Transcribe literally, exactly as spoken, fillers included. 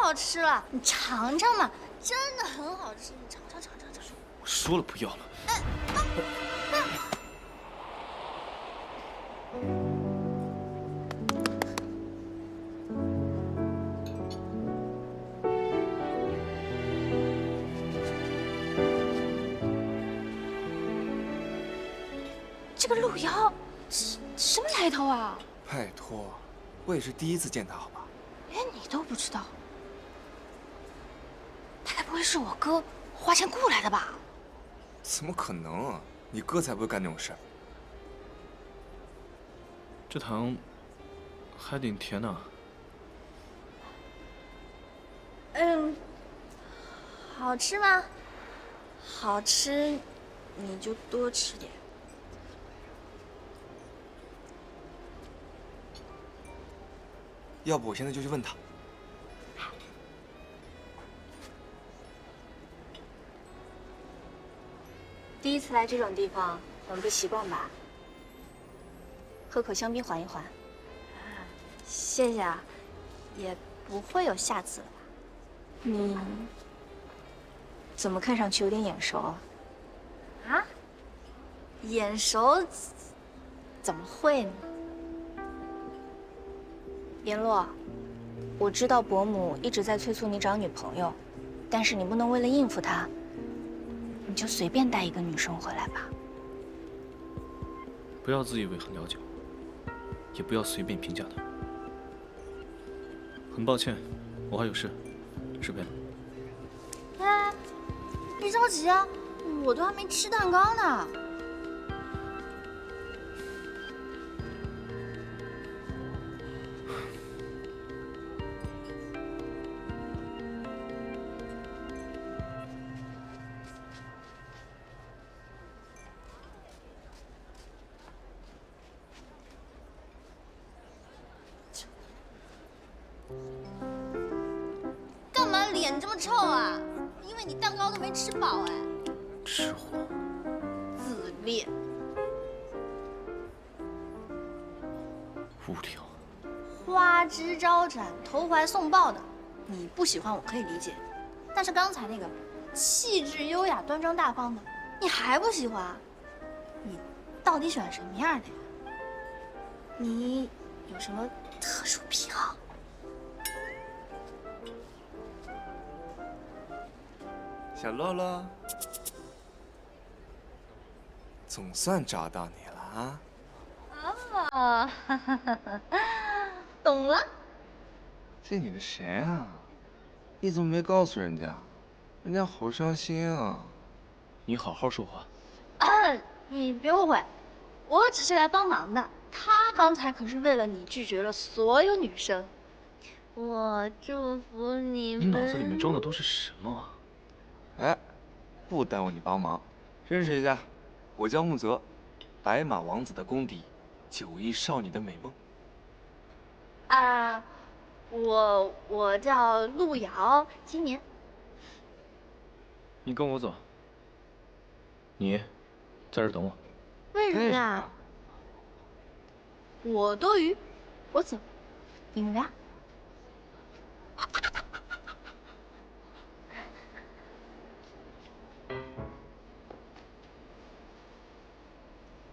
好吃了，你尝尝嘛，真的很好吃，你尝尝尝尝尝。 我说了不要了。哎啊啊这个陆瑶，什什么来头啊？ 拜托，我也是第一次见他，好吧？ 连你都不知道，他该不会是我哥花钱雇来的吧？ 怎么可能啊！你哥才不会干那种事。这糖还挺甜呢。 嗯，好吃吗？好吃，你就多吃点。 要不我现在就去问他。 第一次来这种地方，很不习惯吧？喝口香槟缓一缓。 谢谢啊，也不会有下次了吧？ 你怎么看上去有点眼熟啊？ 啊？眼熟？怎么会呢？ 联络，我知道伯母一直在催促你找女朋友，但是你不能为了应付她，你就随便带一个女生回来吧。 不要自以为很了解我，也不要随便评价她。很抱歉，我还有事，失陪了。 哎，别着急啊，我都还没吃蛋糕呢。 干嘛脸这么臭啊？因为你蛋糕都没吃饱哎。 吃货， 自恋， 无聊。 花枝招展、投怀送抱的，你不喜欢我可以理解，但是刚才那个气质优雅、端庄大方的，你还不喜欢？你到底喜欢什么样的呀？你有什么特殊癖好？ 小洛洛，总算找到你了啊！ 啊，哈哈哈哈，懂了。 这女的谁啊？你怎么没告诉人家？人家好伤心啊！ 你好好说话。 啊，你别误会，我只是来帮忙的。他刚才可是为了你拒绝了所有女生。我祝福你们。 你脑子里面装的都是什么啊？ 哎，不耽误你帮忙，认识一下，我叫木泽，白马王子的公敌，九亿少女的美梦。 啊，我我叫陆瑶，今年。 你跟我走。你，在这儿等我。 为什么呀？我多余，我走，你们俩。